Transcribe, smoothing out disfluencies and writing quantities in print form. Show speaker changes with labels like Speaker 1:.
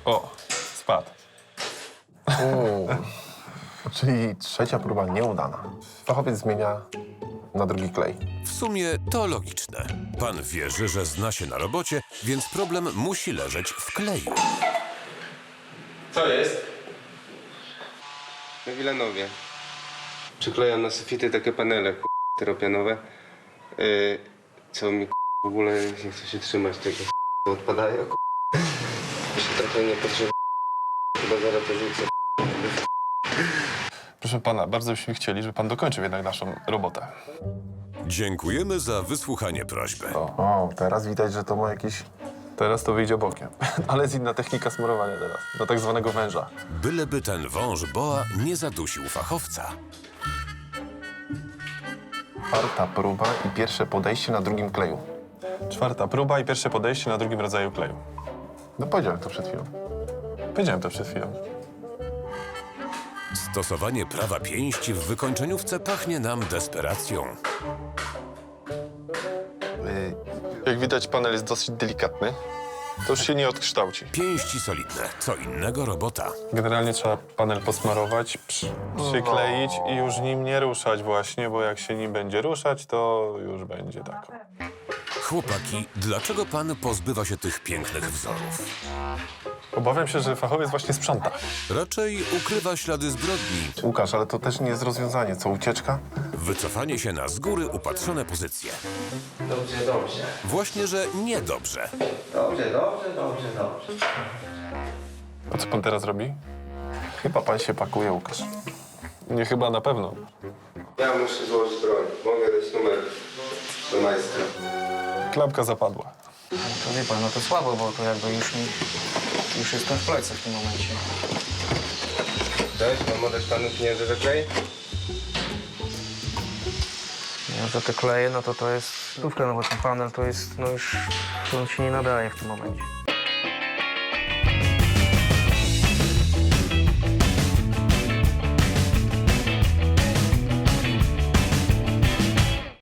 Speaker 1: O, spadł.
Speaker 2: Czyli trzecia próba nieudana. Fachowiec zmienia na drugi klej.
Speaker 3: W sumie to logiczne. Pan wierzy, że zna się na robocie, więc problem musi leżeć w kleju.
Speaker 1: Co jest?
Speaker 4: Na Wilanowie. Przyklejam na sufity takie panele tyropianowe, co mi w ogóle nie chce się trzymać tego, odpadają. To się trochę nie potrzeba. Chyba zaraz to rzucę.
Speaker 1: Proszę pana, bardzo byśmy chcieli, żeby pan dokończył jednak naszą robotę.
Speaker 3: Dziękujemy za wysłuchanie prośby.
Speaker 2: O, teraz widać, że to ma jakiś...
Speaker 1: Teraz to wyjdzie bokiem. Ale jest inna technika smarowania teraz, do tak zwanego węża.
Speaker 3: Byleby ten wąż boa nie zadusił fachowca.
Speaker 2: Czwarta próba i pierwsze podejście na drugim kleju.
Speaker 1: Czwarta próba i pierwsze podejście na drugim rodzaju kleju.
Speaker 2: No powiedziałem to przed chwilą.
Speaker 1: Powiedziałem to przed chwilą.
Speaker 3: Stosowanie prawa pięści w wykończeniówce pachnie nam desperacją.
Speaker 1: Jak widać, panel jest dosyć delikatny. To już się nie odkształci.
Speaker 3: Pięści solidne, co innego robota.
Speaker 1: Generalnie trzeba panel posmarować, przykleić i już nim nie ruszać właśnie, bo jak się nim będzie ruszać, to już będzie tak.
Speaker 3: Chłopaki, dlaczego pan pozbywa się tych pięknych wzorów?
Speaker 1: Obawiam się, że fachowiec właśnie sprząta.
Speaker 3: Raczej ukrywa ślady zbrodni.
Speaker 2: Łukasz, ale to też nie jest rozwiązanie. Co, ucieczka?
Speaker 3: Wycofanie się na z góry upatrzone pozycje.
Speaker 5: Dobrze, dobrze.
Speaker 3: Właśnie, że niedobrze.
Speaker 5: Dobrze, dobrze, dobrze, dobrze.
Speaker 1: A co pan teraz robi?
Speaker 2: Chyba pan się pakuje, Łukasz.
Speaker 1: Nie chyba, na pewno.
Speaker 4: Ja muszę złożyć broń. Mogę dać numer do majstra.
Speaker 1: Klapka zapadła.
Speaker 6: To wie pan, no to słabo, bo to jakby już jestem w kolejce w tym momencie.
Speaker 4: Cześć, mam oddać panu pieniądze za klej?
Speaker 6: Ja za te kleje, no to jest stówka, no bo ten panel to jest, no już on się nie nadaje w tym momencie.